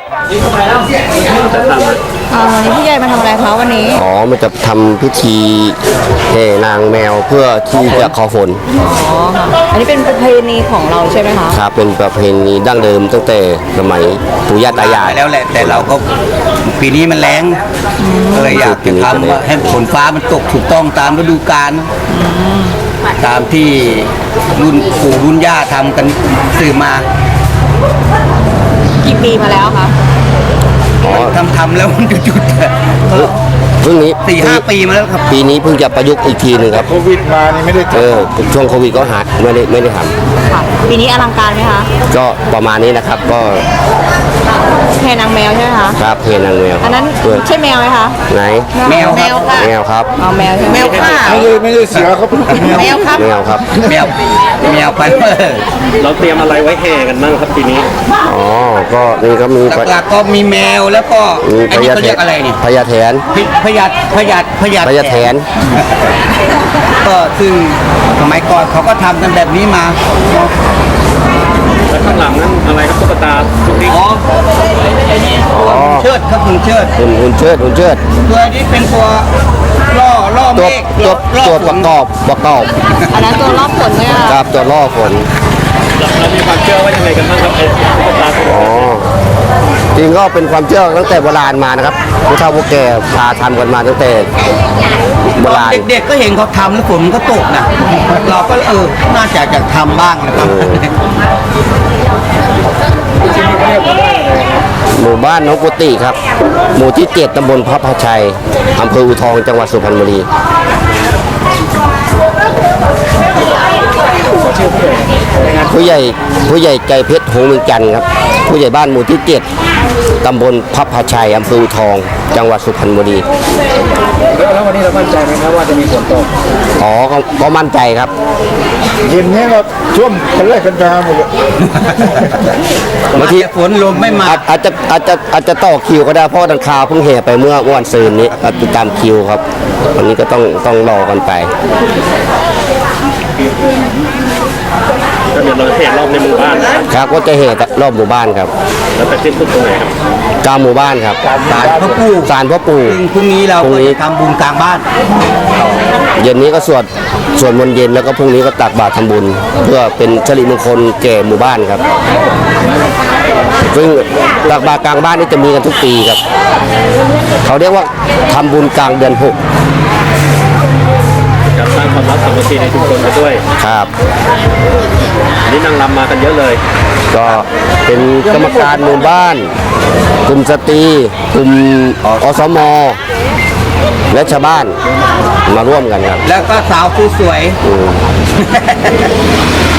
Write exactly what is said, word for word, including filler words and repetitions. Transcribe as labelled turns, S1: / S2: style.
S1: อ่าวันนี้พี่ใหญ่มาทำอะไรคะวันนี้
S2: อ๋อมันจะทำพิธีแห่นางแมวเพื่อที่จะขอฝน
S1: อ๋อค่ะอันนี้เป็นประเพณีของเราใช่ไหมคะ
S2: ครับเป็นประเพณีดั้งเดิมตั้งแต่สมัยปู่ย่าตายาย
S3: แล้วแหละแต่เราก็ปีนี้มันแรงก็เลยอยากจะทำให้ฝนฟ้ามันตกถูกต้องตามฤดูกาลตามที่รุ่นปู่รุ่นย่าทำกันสืบมา
S1: กี่ปีมาแล้วคะ
S3: ทำทำแล้วมันจุดๆ
S2: เพิ่งนี้
S3: สี่ห้าปีมาแล้วครับ
S2: ปีนี้เพิ่งจะประยุกต์อีกทีหนึ่งครับ
S4: โควิดมานี่ไม่ได้
S2: เออช่วงโควิดก็หาไม่ได้ไม่ได้ท
S1: ำค่ะปีนี้อลังการไหมคะ
S2: ก็ประมาณนี้นะครับก็
S1: แห่นางแมวใช่ไหมคะ
S2: ครับเพนางแมว
S1: อันนั้นใช่แมวไหมคะ
S2: ไหน
S3: แมว
S1: แมวค่ะ
S2: แมวครับ
S1: เอาแมวใช่แมวค่ะ
S4: ไม่ใช่ไม่ใช่เสือครับ
S1: แมวครับ
S2: แมวครับ
S3: แมวแมวไป
S5: เราเตรียมอะไรไว้แห่กันบ้างครับปีนี้
S2: อ๋อก็นี่ก็มี
S3: หลักๆก็มีแมวแล้วก็
S2: อันนี้เขา
S3: เรียกอะไรนี่
S2: พญาแถน
S3: พญาพญาพญา
S2: พญาแถน
S3: ก็ซึ่งสมัยก่อนเขาก็ทำกันแบบนี้มา
S5: แล้วข้างหลังนั้นอะไรครับตุ๊กตาตุ๊กติ๊ก
S3: อ๋อไอ้นี่ตัวหุ่นเชิดครับหุ่นเชิด
S2: หุ่นหุ่นเชิดหุ่นเชิด
S3: ตัวนี้เป็นตัวล่อล่อเมฆ
S2: ตัวตัวประกอบประกอบ
S1: อันนั้นตัวรอบฝนเนี่ย
S2: ครับตัวล่อฝน
S5: เรามีความเชื่อว่ายังไงกันบ้างครับไอ้ตุ๊กตา
S2: อ๋อจริงก็เป็นความเชื่อตั้งแต่โบราณมานะครับผู้เฒ่าผู้แก่พาทำกันมาตั้งแต่โบราณ
S3: เด็กๆก็เห็นเขาทำแล้วฝนมันก็ตกนะเราก็เออน่าจะอยากทำบ้างนะครับ
S2: หมู่บ้านน้องกุฏิครับหมู่ที่เจ็ดตำบลพระพาชัยอำเภออูทองจังหวัดสุพรรณบุรีผู้ใหญ่ผู้ใหญ่ใจเพชรหงส์เมืองจันทร์ครับผู้ใหญ่บ้านหมู่ที่เจ็ดตำบลพระพาชัยอำเภออูทองจังหวัดสุพรรณบุรี
S5: แล้ววันนี้เรามั่นใจไหมครับว่าจะมีฝนตก
S2: อ๋อก็มั่นใจครับ
S4: เย็นนี้เราช่วงคนแรกเป็นแฟนหมดเลย
S3: บางทีฝนลมไม่มา
S2: อาจจะอาจจะอาจจะต่อคิวก็ได้เพราะดังคาเพิ่งแห่ไปเมื่อวันซืนนี้ติดตามคิวครับวันนี้ก็ต้องต้องรอกันไป
S5: ก็เดี๋ยวเราแห่รอบในหมู่บ้าน
S2: ครับก็จะแห่รอบหมู่บ้านครับ
S5: แล้วไปสิ้นสุดตรงไหนครับ
S2: กลางหมู่บ้านครับ
S3: ศาลพ่อปู่
S2: ศาลพ่อปู่
S3: พรุ่งนี้เราจะทำบุญกลางบ้าน
S2: เย็นนี้ก็สวดสวดมนต์เย็นแล้วก็พรุ่งนี้ก็ตักบาตรทำบุญเพื่อเป็นสิริมงคลแก่หมู่บ้านครับซึ่งตักบาตรกลางบ้านนี่จะมีกันทุกปีครับเขาเรียกว่าทำบุญกลางเดือนหก
S5: จะสร้างความรักสามัคคีในชุมชนไปด้วย
S2: ครับ
S5: นี่นางรำมากันเยอะเลย
S2: ก็เป็นกรรมการหมู่บ้านกลุ่มสตรีกลุ่มอสมและชาวบ้านมาร่วมกันครับ
S3: แล้วก็สาวสวย